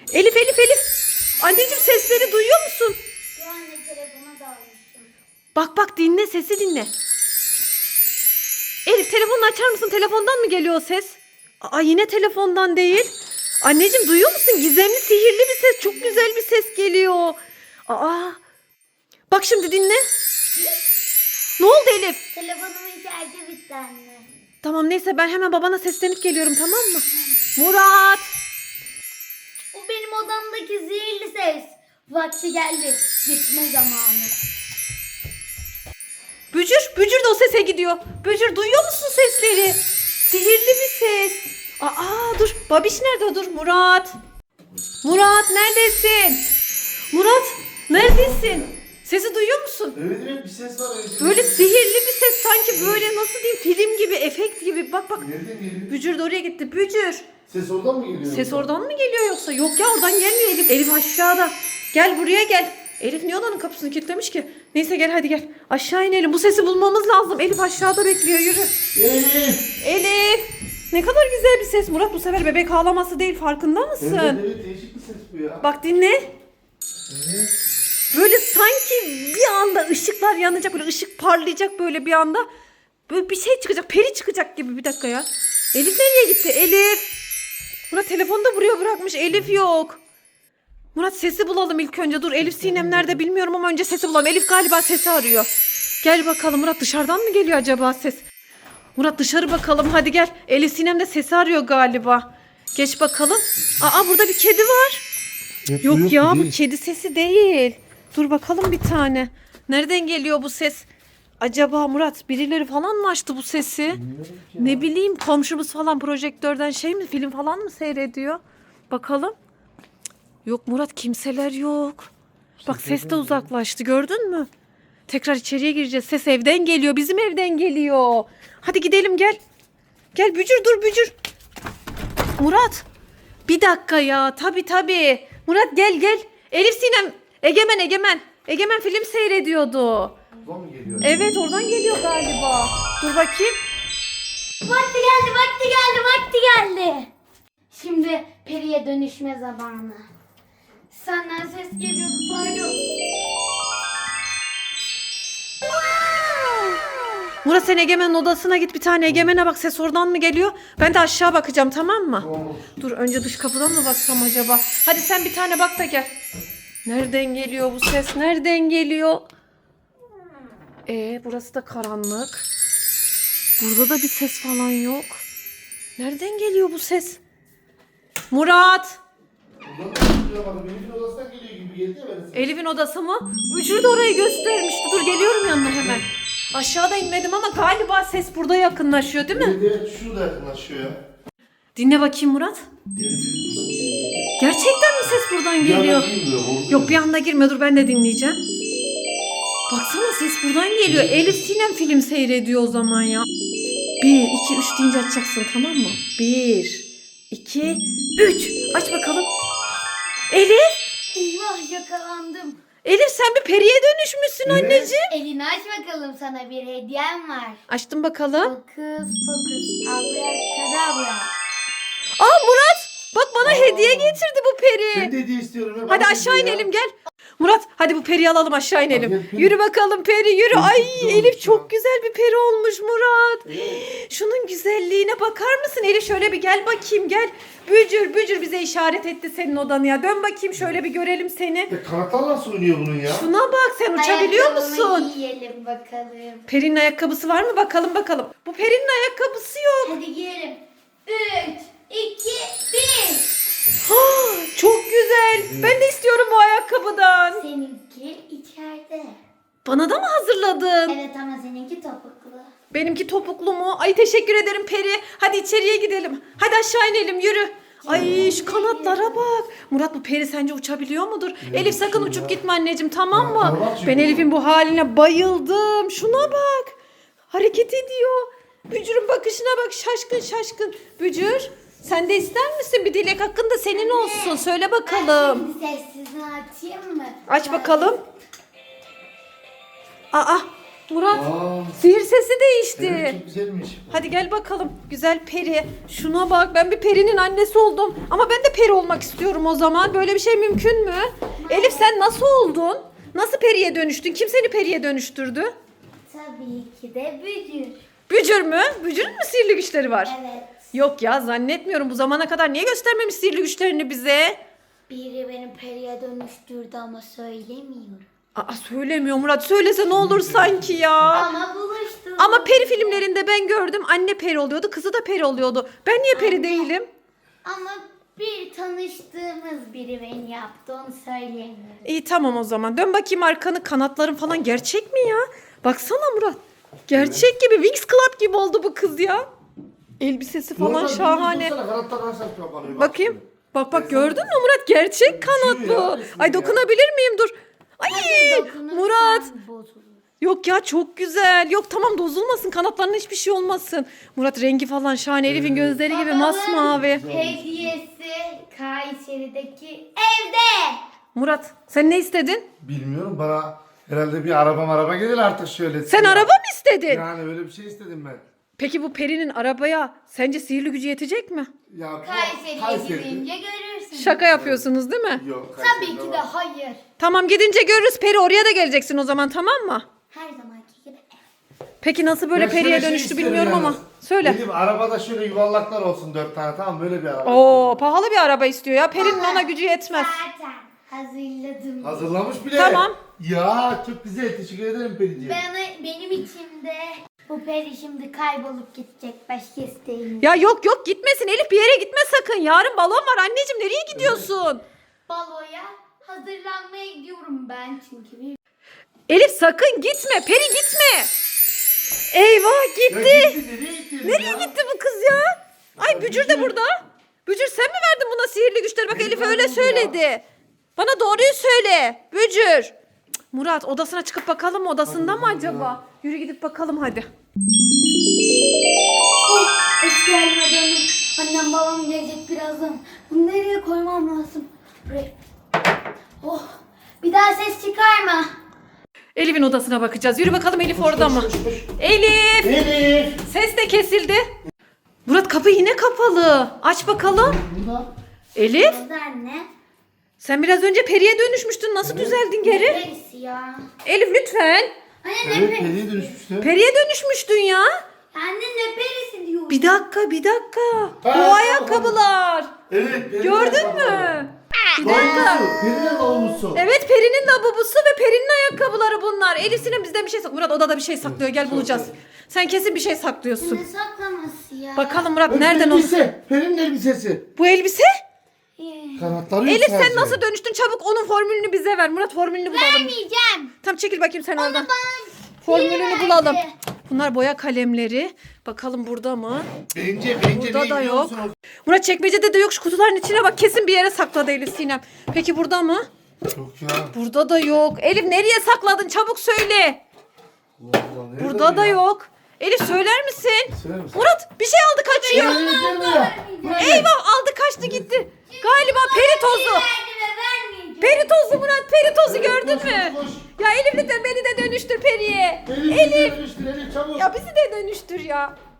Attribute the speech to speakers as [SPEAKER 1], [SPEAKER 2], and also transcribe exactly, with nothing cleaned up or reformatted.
[SPEAKER 1] Elif Elif Elif. Anneciğim sesleri duyuyor musun?
[SPEAKER 2] Şu anne telefona dalmıştım.
[SPEAKER 1] Bak bak dinle, sesi dinle. Elif telefonunu açar mısın? Telefondan mı geliyor o ses? Aa yine telefondan değil. Anneciğim duyuyor musun? Gizemli, sihirli bir ses. Çok güzel bir ses geliyor. Aa. Bak şimdi dinle. Ne oldu Elif?
[SPEAKER 2] Telefonumun şarjı bitti anne.
[SPEAKER 1] Tamam neyse ben hemen babana seslenip geliyorum, tamam mı? Murat.
[SPEAKER 2] O benim odamdaki zehirli ses. Vakti geldi. Gitme zamanı.
[SPEAKER 1] Bücür, Bücür de o sese gidiyor. Bücür duyuyor musun sesleri? Sihirli bir ses. Aa dur, Babiş nerede? Dur Murat. Murat neredesin? Murat neredesin? Sesi duyuyor musun?
[SPEAKER 3] Evet evet bir ses var. Evet.
[SPEAKER 1] Böyle sihirli bir ses, sanki böyle nasıl diyeyim, film gibi, efekt gibi. Bak bak.
[SPEAKER 3] Nereden geliyor?
[SPEAKER 1] Bücür de oraya gitti. Bücür.
[SPEAKER 3] Ses oradan mı geliyor?
[SPEAKER 1] Ses oradan mı geliyor yoksa? Yok ya, oradan gelmiyor Elif. Elif aşağıda. Gel buraya gel. Elif niye odanın kapısını kilitlemiş ki? Neyse gel hadi gel. Aşağı inelim. Bu sesi bulmamız lazım. Elif aşağıda bekliyor. Yürü.
[SPEAKER 3] Elif.
[SPEAKER 1] Elif. Ne kadar güzel bir ses. Murat bu sefer bebek ağlaması değil, farkında mısın?
[SPEAKER 3] Evet evet değişik bir ses bu ya.
[SPEAKER 1] Bak dinle.
[SPEAKER 3] Evet.
[SPEAKER 1] Böyle sanki bir anda ışıklar yanacak. Böyle ışık parlayacak böyle bir anda. Böyle bir şey çıkacak. Peri çıkacak gibi. Bir dakika ya. Elif nereye gitti? Elif. Murat telefonu da buraya bırakmış. Elif yok. Murat sesi bulalım ilk önce. Dur Elif Sinem nerede bilmiyorum ama önce sesi bulalım. Elif galiba sesi arıyor. Gel bakalım Murat, dışarıdan mı geliyor acaba ses? Murat dışarı bakalım hadi gel. Elif Sinem de sesi arıyor galiba. Geç bakalım. Aa burada bir kedi var.
[SPEAKER 3] Evet,
[SPEAKER 1] Yok,
[SPEAKER 3] yok,
[SPEAKER 1] ya bu
[SPEAKER 3] değil.
[SPEAKER 1] kedi sesi değil. Dur bakalım bir tane. Nereden geliyor bu ses? Acaba Murat birileri falan mı açtı bu sesi? Ne bileyim, komşumuz falan projektörden şey mi, film falan mı seyrediyor? Bakalım. Yok Murat, kimseler yok. Bak ses de uzaklaştı, gördün mü? Tekrar içeriye gireceğiz. Ses evden geliyor, bizim evden geliyor. Hadi gidelim gel. Gel Bücür, dur Bücür. Murat. Bir dakika ya, tabii tabii. Murat gel gel. Elif Sinem, Egemen Egemen. Egemen film seyrediyordu.
[SPEAKER 3] Oradan mı geliyor?
[SPEAKER 1] Evet oradan geliyor galiba. Dur bakayım.
[SPEAKER 2] Vakti geldi, vakti geldi, vakti geldi. Şimdi periye dönüşme zamanı. Senden ses geliyordu, pardon.
[SPEAKER 1] Murat sen Egemen'in odasına git, bir tane Egemen'e bak, ses oradan mı geliyor? Ben de aşağı bakacağım, tamam mı?
[SPEAKER 3] Tamam.
[SPEAKER 1] Dur önce dış kapıdan mı baksam acaba? Hadi sen bir tane bak da gel. Nereden geliyor bu ses? Nereden geliyor? Ee, burası da karanlık. Burada da bir ses falan yok. Nereden geliyor bu ses? Murat!
[SPEAKER 3] Oradan mı geliyor? Bak Elif'in odasından geliyor gibi geldi ya bana ses.
[SPEAKER 1] Elif'in odası mı? Bücür de orayı göstermişti. Dur geliyorum yanına hemen. Aşağıda inmedim ama galiba ses burada yakınlaşıyor değil mi?
[SPEAKER 3] Evet evet şurada yakınlaşıyor ya.
[SPEAKER 1] Dinle bakayım Murat.
[SPEAKER 3] Evet, buradan geliyor.
[SPEAKER 1] Gerçekten mi ses buradan
[SPEAKER 3] Bir
[SPEAKER 1] geliyor?
[SPEAKER 3] anda girmiyor, orada.
[SPEAKER 1] Yok bir anda girme, dur ben de dinleyeceğim. Baksana ses buradan geliyor. Elif Sinem film seyrediyor o zaman ya. Bir, iki, üç deyince açacaksın, tamam mı? Bir, iki, üç. Aç bakalım. Elif.
[SPEAKER 2] Eyvah, yakalandım.
[SPEAKER 1] Elif sen bir periye dönüşmüşsün
[SPEAKER 3] Evet.
[SPEAKER 1] anneciğim.
[SPEAKER 2] Elini aç bakalım, sana bir hediyem var.
[SPEAKER 1] Açtım bakalım.
[SPEAKER 2] Fokus fokus abrakadabra.
[SPEAKER 1] Aa Murat. Bak bana
[SPEAKER 3] Aa.
[SPEAKER 1] hediye getirdi bu peri.
[SPEAKER 3] Ben de hediye istiyorum. ya.
[SPEAKER 1] Hadi
[SPEAKER 3] Bana
[SPEAKER 1] aşağı
[SPEAKER 3] hediye ya.
[SPEAKER 1] inelim gel. Murat hadi bu periyi alalım, aşağı inelim.
[SPEAKER 3] Hadi gel, peri.
[SPEAKER 1] Yürü bakalım peri yürü.
[SPEAKER 3] Çok
[SPEAKER 1] Ay
[SPEAKER 3] güzel
[SPEAKER 1] Elif
[SPEAKER 3] olmuş
[SPEAKER 1] çok
[SPEAKER 3] ya.
[SPEAKER 1] güzel bir peri olmuş Murat.
[SPEAKER 3] Evet.
[SPEAKER 1] Şunun güzelliğine bakar mısın Elif, şöyle bir gel bakayım gel. Bücür Bücür bize işaret etti senin odanı ya. Dön bakayım şöyle bir görelim seni.
[SPEAKER 3] Ya kanatlar nasıl oynuyor bunun ya?
[SPEAKER 1] Şuna bak, sen uçabiliyor
[SPEAKER 2] Ayakkabımı
[SPEAKER 1] musun?
[SPEAKER 2] giyelim bakalım.
[SPEAKER 1] Peri'nin ayakkabısı var mı bakalım bakalım. Bu Peri'nin ayakkabısı yok.
[SPEAKER 2] Hadi giyelim. Üç, iki, bir.
[SPEAKER 1] Ha, çok güzel. Ben de istiyorum bu ayakkabıdan.
[SPEAKER 2] Seninki içeride.
[SPEAKER 1] Bana da mı hazırladın?
[SPEAKER 2] Evet ama seninki topuklu.
[SPEAKER 1] Benimki topuklu mu? Ay teşekkür ederim Peri. Hadi içeriye gidelim. Hadi aşağı inelim yürü. Ay şu kanatlara bak. Murat bu Peri sence uçabiliyor mudur? Elif sakın
[SPEAKER 3] uçuyor
[SPEAKER 1] uçup
[SPEAKER 3] ya.
[SPEAKER 1] gitme anneciğim, tamam
[SPEAKER 3] Ya,
[SPEAKER 1] mı?
[SPEAKER 3] tamam çünkü
[SPEAKER 1] Ben
[SPEAKER 3] bu-
[SPEAKER 1] Elif'in bu haline bayıldım. Şuna bak. Hareket ediyor. Bücür'ün bakışına bak, şaşkın şaşkın. Bücür sen de ister misin? Bir dilek hakkın da senin olsun. Söyle bakalım.
[SPEAKER 2] Şimdi sessizini açayım mı?
[SPEAKER 1] Aç bakalım. Aa Murat
[SPEAKER 3] Aa,
[SPEAKER 1] sihir sesi değişti.
[SPEAKER 3] evet, çok güzelmiş.
[SPEAKER 1] Hadi gel bakalım güzel peri. Şuna bak, ben bir perinin annesi oldum. Ama ben de peri olmak istiyorum o zaman. Böyle bir şey mümkün mü? Elif sen nasıl oldun? Nasıl periye dönüştün? Kim seni periye dönüştürdü?
[SPEAKER 2] Tabii ki de bücür.
[SPEAKER 1] Bücür mü? Bücürün mü sihirli güçleri var?
[SPEAKER 2] Evet.
[SPEAKER 1] Yok ya, zannetmiyorum. Bu zamana kadar niye göstermemiş sihirli güçlerini bize?
[SPEAKER 2] Biri beni periye dönüştürdü ama söylemiyorum.
[SPEAKER 1] Aa, söylemiyor Murat. Söylese ne olur sanki ya.
[SPEAKER 2] Ama buluştuk.
[SPEAKER 1] Ama peri filmlerinde ben gördüm. Anne peri oluyordu, kızı da peri oluyordu. Ben niye peri değilim?
[SPEAKER 2] Ama bir tanıştığımız biri beni yaptı, onu söyleyemiyorum.
[SPEAKER 1] İyi tamam o zaman. Dön bakayım arkanı. Kanatların falan gerçek mi ya? Baksana Murat. Gerçek gibi. Wings Club gibi oldu bu kız ya. Elbisesi falan
[SPEAKER 3] Oradan
[SPEAKER 1] şahane.
[SPEAKER 3] dursana, kanatlar nasıl kapanıyor? Bak
[SPEAKER 1] Bakayım.
[SPEAKER 3] şimdi.
[SPEAKER 1] Bak bak, gördün mü Murat? Gerçek kanat
[SPEAKER 3] Uçuyor ya,
[SPEAKER 1] bu.
[SPEAKER 3] resmen
[SPEAKER 1] Ay
[SPEAKER 3] ya.
[SPEAKER 1] dokunabilir miyim? Dur. Ay
[SPEAKER 2] Dokunursan
[SPEAKER 1] Murat.
[SPEAKER 2] bozulur.
[SPEAKER 1] Yok ya, çok güzel. Yok tamam, bozulmasın. Kanatlarına hiçbir şey olmasın. Murat rengi falan şahane. Elif'in gözleri gibi
[SPEAKER 2] Babanın
[SPEAKER 1] masmavi.
[SPEAKER 2] hediyesi Kayseri'deki evde.
[SPEAKER 1] Murat sen ne istedin?
[SPEAKER 3] Bilmiyorum, bana herhalde bir araba araba gelir artık şöyle.
[SPEAKER 1] Sen araba mı istedin?
[SPEAKER 3] Yani öyle bir şey istedim ben.
[SPEAKER 1] Peki bu perinin arabaya sence sihirli gücü yetecek mi?
[SPEAKER 3] Ya bu
[SPEAKER 2] Kayseri'ye
[SPEAKER 3] Kayseri.
[SPEAKER 2] gidince görürsün.
[SPEAKER 1] Şaka yapıyorsunuz değil mi?
[SPEAKER 3] Yok,
[SPEAKER 2] Tabii
[SPEAKER 3] Kayseri'de
[SPEAKER 2] ki de
[SPEAKER 3] var.
[SPEAKER 2] hayır.
[SPEAKER 1] Tamam, gidince görürüz. Peri oraya da geleceksin o zaman, tamam mı?
[SPEAKER 2] Her zamanki gibi.
[SPEAKER 1] Peki nasıl böyle
[SPEAKER 3] Ya şöyle
[SPEAKER 1] periye
[SPEAKER 3] şey
[SPEAKER 1] dönüştü
[SPEAKER 3] isterim
[SPEAKER 1] bilmiyorum ama.
[SPEAKER 3] yalnız.
[SPEAKER 1] Söyle.
[SPEAKER 3] Dedim arabada şöyle yuvarlaklar olsun dört tane, tamam mı? Böyle bir araba.
[SPEAKER 1] Oo, pahalı bir araba istiyor ya. Perinin ona gücü yetmez.
[SPEAKER 2] Zaten hazırladım.
[SPEAKER 3] Hazırlamış bile.
[SPEAKER 1] Tamam.
[SPEAKER 3] Ya çok güzel, teşekkür ederim Periciğim.
[SPEAKER 2] Bana, benim içimde bu peri şimdi kaybolup gidecek, başka isteğim.
[SPEAKER 1] Ya yok yok, gitmesin Elif, bir yere gitme sakın. Yarın balon var anneciğim, nereye gidiyorsun?
[SPEAKER 2] Baloya hazırlanmaya gidiyorum ben çünkü. Bir...
[SPEAKER 1] Elif sakın gitme, Peri gitme. Eyvah,
[SPEAKER 3] Ya
[SPEAKER 1] gitti.
[SPEAKER 3] gitti, nereye gitti?
[SPEAKER 1] Nereye
[SPEAKER 3] ya?
[SPEAKER 1] gitti bu kız ya? Ay Bücür de burada. Bücür sen mi verdin buna sihirli güçleri? Bak
[SPEAKER 3] Benim
[SPEAKER 1] Elif
[SPEAKER 3] verdim
[SPEAKER 1] öyle
[SPEAKER 3] ya.
[SPEAKER 1] söyledi. Bana doğruyu söyle Bücür. Cık, Murat odasına çıkıp bakalım mı, odasında mı
[SPEAKER 3] bakalım
[SPEAKER 1] acaba? Yürü gidip bakalım hadi.
[SPEAKER 2] Oh, eski halime döndüm. Annem babam gelecek birazdan. Bunu nereye koymam lazım? Buraya. Oh, bir daha ses çıkarma.
[SPEAKER 1] Elif'in odasına bakacağız. Yürü bakalım Elif orada mı?
[SPEAKER 3] Koş, koş, koş.
[SPEAKER 1] Elif!
[SPEAKER 3] Elif.
[SPEAKER 1] Ses de kesildi. Murat kapı yine kapalı. Aç bakalım.
[SPEAKER 3] Burada.
[SPEAKER 1] Elif
[SPEAKER 2] Oldu anne.
[SPEAKER 1] sen biraz önce periye dönüşmüştün. Nasıl düzeldin geri?
[SPEAKER 2] Neresi ya?
[SPEAKER 1] Elif lütfen.
[SPEAKER 2] Anne ne
[SPEAKER 3] Evet,
[SPEAKER 2] perisi?
[SPEAKER 3] Peri'ye dönüşmüştü.
[SPEAKER 1] Periye dönüşmüştün ya.
[SPEAKER 2] Anne ne perisi diyor?
[SPEAKER 1] Bir dakika bir dakika.
[SPEAKER 3] Ha,
[SPEAKER 1] Bu ayakkabılar.
[SPEAKER 3] Evet. Peri'nin
[SPEAKER 1] Gördün
[SPEAKER 3] ayakkabıları.
[SPEAKER 1] mü? Bir dakika.
[SPEAKER 3] Lavlusu, Peri'nin lavlusu.
[SPEAKER 1] Evet, Peri'nin lavabosu ve Peri'nin ayakkabıları bunlar. Elif Sinem bizden bir şey saklıyor. Murat odada bir şey saklıyor. Gel bulacağız. Sen kesin bir şey saklıyorsun.
[SPEAKER 2] Ne saklaması ya?
[SPEAKER 1] Bakalım Murat
[SPEAKER 3] Bak,
[SPEAKER 1] nereden o?
[SPEAKER 3] elbise. Peri'nin elbisesi.
[SPEAKER 1] Bu elbise?
[SPEAKER 2] Ee,
[SPEAKER 3] Kanatları yok
[SPEAKER 1] Elif
[SPEAKER 3] sadece.
[SPEAKER 1] sen nasıl dönüştün? Çabuk onun formülünü bize ver. Murat formülünü bulalım.
[SPEAKER 2] Vermeyeceğim.
[SPEAKER 1] Tam çekil bakayım sen oradan.
[SPEAKER 2] Bana
[SPEAKER 1] Formülünü
[SPEAKER 2] verdi.
[SPEAKER 1] bulalım. Bunlar boya kalemleri. Bakalım burada mı?
[SPEAKER 3] Bence, bence
[SPEAKER 1] Burada
[SPEAKER 3] ne
[SPEAKER 1] da
[SPEAKER 3] biliyor
[SPEAKER 1] yok.
[SPEAKER 3] musun?
[SPEAKER 1] Murat çekmecede de yok. Şu kutuların içine bak. Kesin bir yere sakladı Elif Sinem. Peki burada mı?
[SPEAKER 3] Yok ya.
[SPEAKER 1] Burada da yok. Elif nereye sakladın? Çabuk söyle.
[SPEAKER 3] Allah Allah, nerede
[SPEAKER 1] Burada
[SPEAKER 3] bu
[SPEAKER 1] da
[SPEAKER 3] ya?
[SPEAKER 1] yok. Elif söyler misin?
[SPEAKER 3] Söyler misin?
[SPEAKER 1] Murat bir şey aldı kaçıyor.
[SPEAKER 3] Elif, gel buraya. Buraya.
[SPEAKER 1] Eyvah, aldı kaçtı gitti. Galiba peri tozu.
[SPEAKER 2] Verdi ve vermeyeceğim.
[SPEAKER 1] Peri tozu Murat, peri tozu gördün
[SPEAKER 3] Koş,
[SPEAKER 1] mü?
[SPEAKER 3] koş, koş.
[SPEAKER 1] Ya Elif lütfen beni de dönüştür periye.
[SPEAKER 3] Elif,
[SPEAKER 1] Elif.
[SPEAKER 3] dönüştür, Elif çabuk.
[SPEAKER 1] Ya bizi de dönüştür ya.